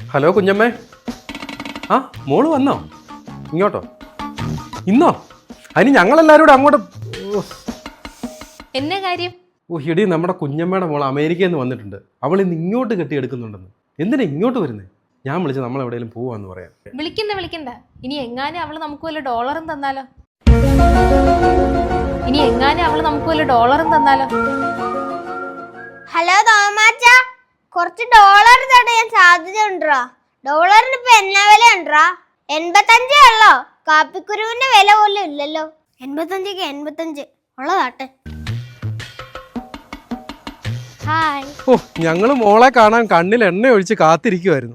Hello കുഞ്ഞമ്മേ. ആ മോള് വന്നോ? ഇങ്ങോട്ടോ? ഇന്നോ? അതിന് ഞങ്ങളെല്ലാവരും കൂടെ അങ്ങോട്ട്. എന്നാ കാര്യം? ഇടി നമ്മുടെ കുഞ്ഞമ്മയുടെ മോൾ അമേരിക്കയിൽ നിന്ന് വന്നിട്ടുണ്ട്. അവൾ ഇന്ന് ഇങ്ങോട്ട് കെട്ടിയെടുക്കുന്നുണ്ടെന്ന്. എന്തിനാ ഇങ്ങോട്ട് വരുന്നത്? ഞാൻ വിളിച്ച് നമ്മൾ എവിടെയെങ്കിലും പോവാന്ന് പറയാം. വിളിക്കണ്ട. ഇനി എങ്ങാനും അവള് നമുക്ക് വല്ല ഡോളറും തന്നാലോ? ഹലോ തോമാച്ച, കുറച്ച് ഡോളർ തടയാൻ സാധ്യതയുണ്ടോ? ഡോളറിന് ഇപ്പൊ എന്നാ വില ഉണ്ടോ? 85 ഉള്ളോ? കാപ്പിക്കുരുവിന്റെ വില പോലും ഇല്ലല്ലോ. 85 ഉള്ളതാട്ടെ. ഹായ്. ഞങ്ങള് മോളെ കാണാൻ കണ്ണിൽ എണ്ണ ഒഴിച്ച് കാത്തിരിക്കുവായിരുന്നു.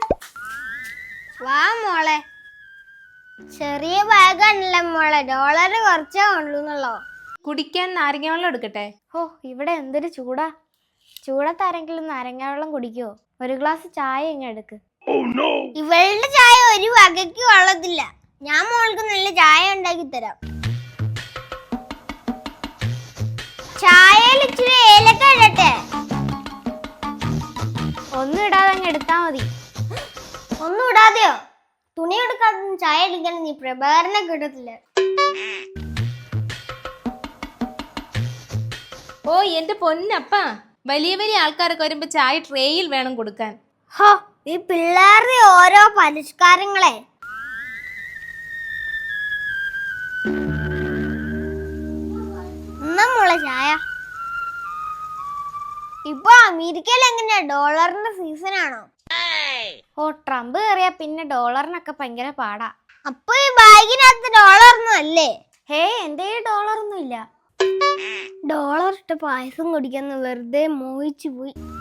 വാ മോളെ. ചെറിയ ബാഗാണല്ലേ മോളെ, ഡോളർ കുറച്ചേ ഉള്ളൂന്നല്ലോ. കുടിക്കാൻ നാരങ്ങ വെള്ളം എടുക്കട്ടെ? ഇവിടെ എന്തൊരു ചൂടാ. ചൂടത്താരെങ്കിലും നാരങ്ങ വെള്ളം കുടിക്കുവോ? ഒരു ഗ്ലാസ് ചായ ഇങ്ങ് എടുക്ക്. ഇവളുടെ ചായ ഒരു വകയ്ക്ക് കൊള്ളത്തില്ല. ഞാൻ മോൾക്ക് നല്ല ചായ ഉണ്ടാക്കി തരാം. ചായയിൽ ഇച്ചിരി ഏലക്ക ഇടട്ടെ? ഒന്നും ഇടാതെ അങ്ങ് എടുത്താ മതി. ഒന്നും ഇടാതെയോ? തുണി എടുക്കാതെ ചായ എടുക്കാൻ നീ പ്രഭാകരനെ കിട്ടത്തില്ല. ഓ എന്റെ പൊന്നപ്പ, വലിയ ആൾക്കാരൊക്കെ വരുമ്പോ ചായ ട്രേയിൽ വേണം കൊടുക്കാൻ. ഈ പിള്ളേരുടെ ഓരോ പരിഷ്കാരങ്ങളെ. മോളെ ചായ. ഇപ്പൊ അമേരിക്കയിൽ എങ്ങനെയാ, ഡോളറിന്റെ സീസൺ ആണോ? ട്രംപ് കയറിയാ പിന്നെ ഡോളറിനൊക്കെ ഭയങ്കര പാടാ. അപ്പൊ ഈ ബാഗിനകത്ത് ഡോളറൊന്നും അല്ലേ? എന്റെ ഡോളറൊന്നും ഇല്ല. ഡോളർ ഇട്ട് പായസം കുടിക്കാന്ന് വെറുതെ മോഹിച്ചു പോയി.